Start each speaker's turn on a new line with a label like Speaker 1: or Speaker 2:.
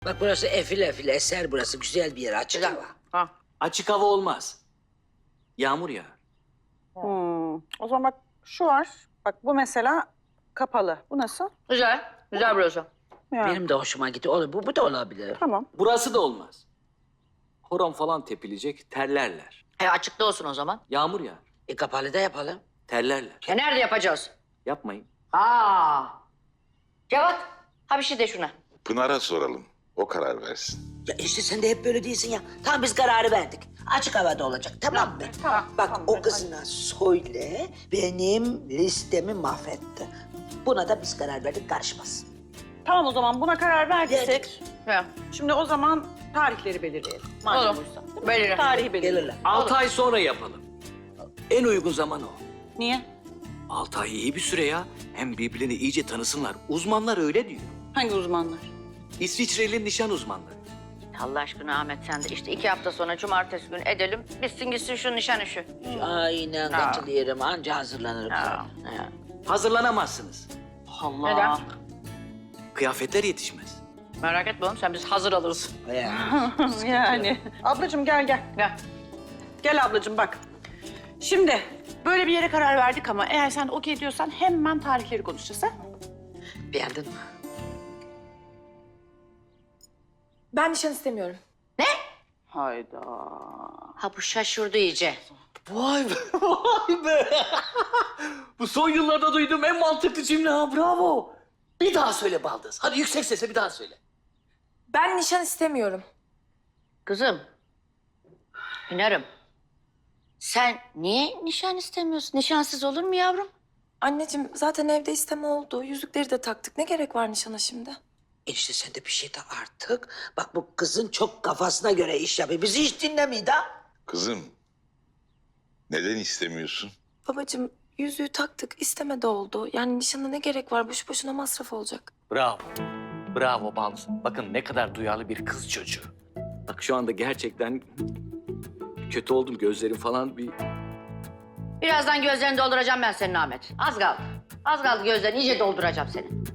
Speaker 1: Bak burası efil efil eser burası. Güzel bir yer, açık hava.
Speaker 2: Ha.
Speaker 3: Açık hava olmaz. Yağmur yağar.
Speaker 4: O zaman bak şu var. Bak bu mesela kapalı. Bu nasıl?
Speaker 2: Güzel. Güzel burası.
Speaker 4: Yani,
Speaker 1: Benim de hoşuma gitti. Olur, bu da olabilir.
Speaker 4: Tamam.
Speaker 3: Burası da olmaz. Horon falan tepilecek, terlerler.
Speaker 2: Açıkta olsun o zaman.
Speaker 3: Yağmur yağar,
Speaker 1: Kapalı da yapalım.
Speaker 3: terlerler.
Speaker 2: Nerede yapacağız?
Speaker 3: Yapmayın.
Speaker 2: Cevat. Ha bir şey de şuna.
Speaker 5: Pınar'a soralım. O karar versin.
Speaker 1: Ya işte sen de hep böyle değilsin ya. Tamam biz kararı verdik. Açık havada olacak, tamam mı?
Speaker 4: Tamam,
Speaker 1: Bak
Speaker 4: tamam,
Speaker 1: o
Speaker 4: hadi.
Speaker 1: kızına söyle, benim listemi mahvetti. Buna da biz karar verdik, karışmaz.
Speaker 4: Tamam o zaman buna karar verdiysek.
Speaker 1: Verdik.
Speaker 2: Ya.
Speaker 4: Şimdi o zaman tarihleri belirleyelim. Madem
Speaker 2: Olur.
Speaker 4: buysa. Değil mi?
Speaker 2: Belirle.
Speaker 4: Tarihi belirleyelim.
Speaker 1: Gelirler.
Speaker 3: 6 ay sonra yapalım. En uygun zaman o.
Speaker 4: Niye?
Speaker 3: 6 ay iyi bir süre ya. Hem birbirlerini iyice tanısınlar. Uzmanlar öyle diyor.
Speaker 4: Hangi uzmanlar?
Speaker 3: İsviçreli nişan uzmanları.
Speaker 2: Allah aşkına Ahmet sen de işte 2 hafta sonra cumartesi günü edelim. Bitsin gitsin şu nişan işi.
Speaker 1: Aynen katılıyorum, anca hazırlanırım.
Speaker 2: Ha.
Speaker 1: Ha.
Speaker 3: Hazırlanamazsınız.
Speaker 4: Allah.
Speaker 2: Neden?
Speaker 3: Kıyafetler yetişmez.
Speaker 2: Merak etme oğlum sen biz hazır alırız.
Speaker 1: Ya.
Speaker 4: Yani. Ablacığım gel gel.
Speaker 2: Gel.
Speaker 4: Gel ablacığım bak. Şimdi böyle bir yere karar verdik ama eğer sen okey diyorsan hemen tarihleri konuşacağız ha?
Speaker 1: Beğendin mi?
Speaker 6: Ben nişan istemiyorum.
Speaker 4: Hayda.
Speaker 2: Ha bu şaşırdı iyice.
Speaker 3: Vay be, vay be. Bu son yıllarda duyduğum en mantıklı cümle ha, bravo. Bir daha söyle Baldız. Hadi yüksek sesle bir daha söyle.
Speaker 6: Ben nişan istemiyorum.
Speaker 2: Kızım. Hünarım. Sen niye nişan istemiyorsun? Nişansız olur mu yavrum?
Speaker 6: Anneciğim zaten evde isteme oldu. Yüzükleri de taktık. Ne gerek var nişana şimdi?
Speaker 1: İşte sen de bir şey de artık. Bak bu kızın çok kafasına göre iş yapıyor. Bizi hiç dinlemiyor da.
Speaker 5: Kızım, neden istemiyorsun?
Speaker 6: Babacığım yüzüğü taktık. İsteme de oldu. Yani nişana ne gerek var? Boşu boşuna masraf olacak.
Speaker 3: Bravo. Bravo Baldız. Bakın ne kadar duyarlı bir kız çocuğu. Bak şu anda gerçekten kötü oldum. Gözlerim falan bir...
Speaker 2: Birazdan gözlerini dolduracağım ben senin Ahmet. Az kaldı. Az kaldı gözlerini iyice dolduracağım seni.